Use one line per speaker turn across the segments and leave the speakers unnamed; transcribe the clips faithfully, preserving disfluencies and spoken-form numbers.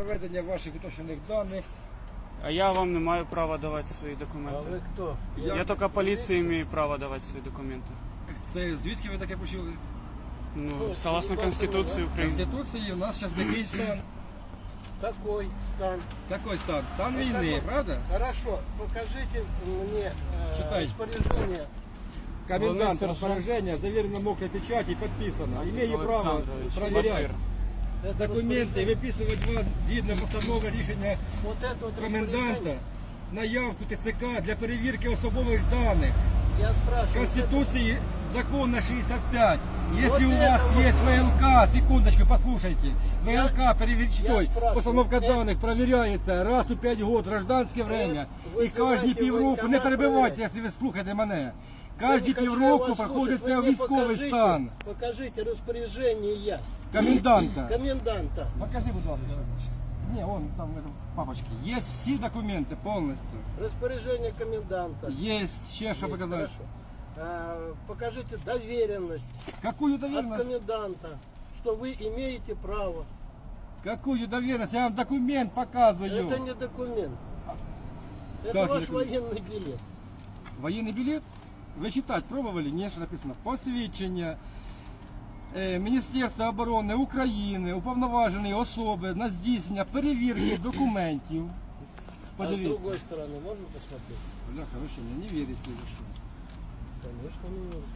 проведення ваших уточнених даних.
А я вам не маю права давати свої
А
документи.
вы кто?
Я, я тільки поліції маю право давати свої документи.
Це звідки ви таке почули?
Ну, согласно Конституції
В
України.
Конституції у нас зараз який стан?
Какой стан?
Такий стан. Стан
Ну,
війни,
какой?
правда?
Хорошо, покажите мне э,
Читай.
распоряжение.
Комендант
Володимир
распоряжение, заверено мокрой печатью, подписано. Имею право
Олександрович,
проверять
Это
документи,
распоряжение.
виписувати вам згідно постанови рішення
Вот это вот
коменданта
распоряжение.
на явку ТЦК для перевірки особових даних.
Я спрашиваю.
Конституции закона шестьдесят пять. Если
Вот
у
это
вас
вот.
есть ВЛК, секундочку, послушайте.
Я-
ВЛК перевірчтой,
спрашиваю,
постановка
это-
данных проверяется раз у пять год, гражданское время.
вы
И каждые
вызываете
півроку, не
воєнкомат
перебивайте,
проверять.
якщо ви слухаєте мене.
Я не
Кожні
хочу
півроку
вас слушать.
проходиться
Вы мне
військовий
покажите-
стан
Покажите распоряжение
коменданта.
коменданта.
Покажи, будь ласка. Не, он там в этом папочке. Есть все документы полностью.
Распоряжение коменданта.
Есть ще що
Есть,
показати.
хорошо. А, покажите доверенность
Какую
от
доверенность?
коменданта, что вы имеете право.
Какую доверенность? Я вам документ показываю.
Это не документ. Это
Как не
ваш
документ?
военный билет.
Воєнний білет? Ви читати пробували? Ні, що написано. Посвідчення е, Міністерства оборони України, уповноваженої особи на здійснення перевірки документів.
А с
Подивіться.
другой стороны можно посмотреть?
Бляха, ви що, мені не вірите? ви що?
Конечно, не нужно.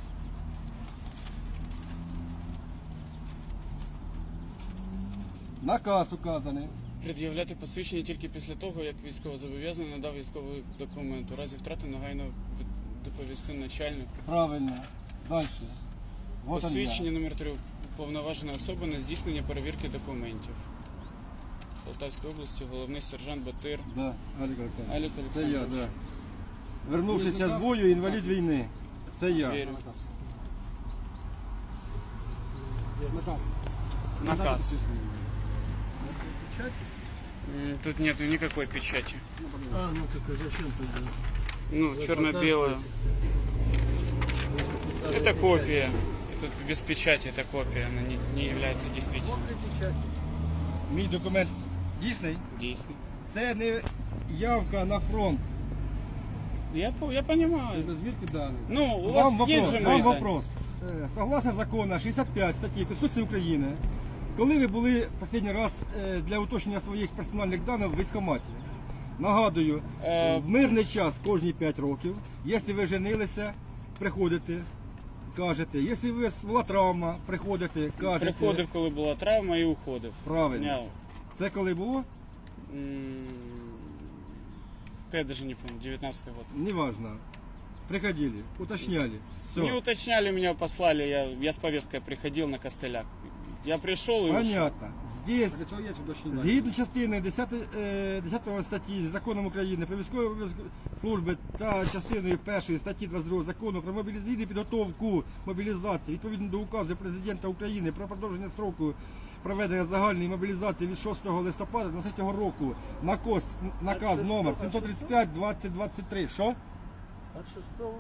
Наказ указаний.
Пред'являти посвідчення тільки після того, як військовозобов'язаний надав військовий документ. У разі втрати негайно від- доповісти начальнику.
Правильно. Далі. Вот он
Посвідчення номер три уповноважена особа на здійснення перевірки документів. Полтавської області головний сержант Батир.
я. Да, Алік Олександрович.
Алік
Це я,
Олександрович.
да. Вернувшися з бою, інвалід війни. Це я.
Вірю.
Наказ.
Наказ. М, Тут нету никакой печати.
А, ну так а зачем тогда?
Ну,
Вы
черно-белую.
показываете?
Это копия. Это без печати, это копия. Она не, не является действительной.
Вот и печать.
Мій документ дійсний.
Действительно.
Це не явка на фронт.
Я, по- я понимаю.
Звідки дані?
Ну, у
Вам
вас есть
вопрос,
же
вам
мои данные?
вопрос. Е, Согласно закону шістдесят п'ять статті Конституції України, коли ви були останній раз е, для уточнення своїх персональних даних в військкоматі? Нагадую,
Е,
в мирний час кожні п'ять років, якщо ви женилися, приходите, кажете. Якщо у вас була травма, приходите, кажете.
Приходив, коли була травма, і уходив.
Правильно.
Я,
Це коли було?
м, та я даже не помню, девятнадцатый год.
Неважно. Приходили, уточняли. Все.
Не уточняли, меня послали, я, я с повесткой приходил на костылях. Я пришел и ушел.
Понятно. Здесь, згідно частини десятої, е, десятої статті Законом України про військові обов'язки служби та частиною першої статті двадцять другого Закону про мобілізаційну підготовку мобілізації, відповідно до указу Президента України про продовження строку проведення загальної мобілізації від шостого листопада двадцятого року, наказ, наказ
шестого,
номер
а
сімсот тридцять п'ять двадцять двадцять три. Що?
От шестого.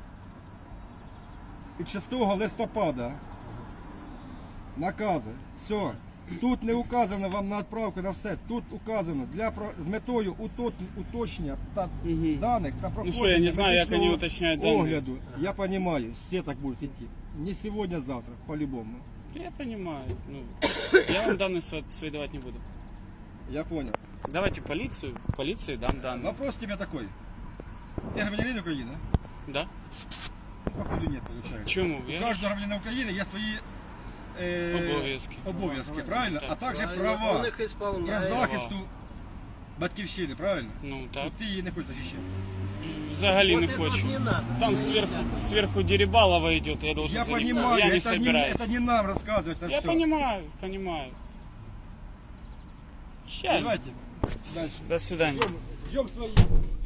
Від шостого листопада. Накази. Все. Тут не указано вам на відправку на все. Тут указано для про- з метою утот- уточнення та
Мгм.
даних та проходження
що, я не знаю, як
медичного
вони уточняють дані.
огляду. Я розумію, все так будуть йти. Не сьогодні, а завтра, по-любому.
Я понимаю. Ну, я вам данные сво- свои давать не буду.
Я понял.
Давайте полицию, полиции дам данные.
Вопрос тебе такой. Ты гражданин Украины?
Да?
Походу нет, получается.
Чему?
У
Я...
каждого гражданина Украины есть свои е,
Обов'язки.
обов'язки, правильно? А також
Правильно,
права
он их
для
исполняет.
захисту батьківщини, правильно?
Ну так.
От ти її не хочеш захищати.
Взагалі
Вот
не
это
хочу.
вот не надо.
Там сверху, сверху Дерибалова идет, я должен
Я
за ним-
понимаю,
я не
это, не,
собираюсь.
это не нам рассказывать это
Я
все.
понимаю, понимаю. Сейчас.
Давайте дальше.
До свидания.
Ждем, ждем свои.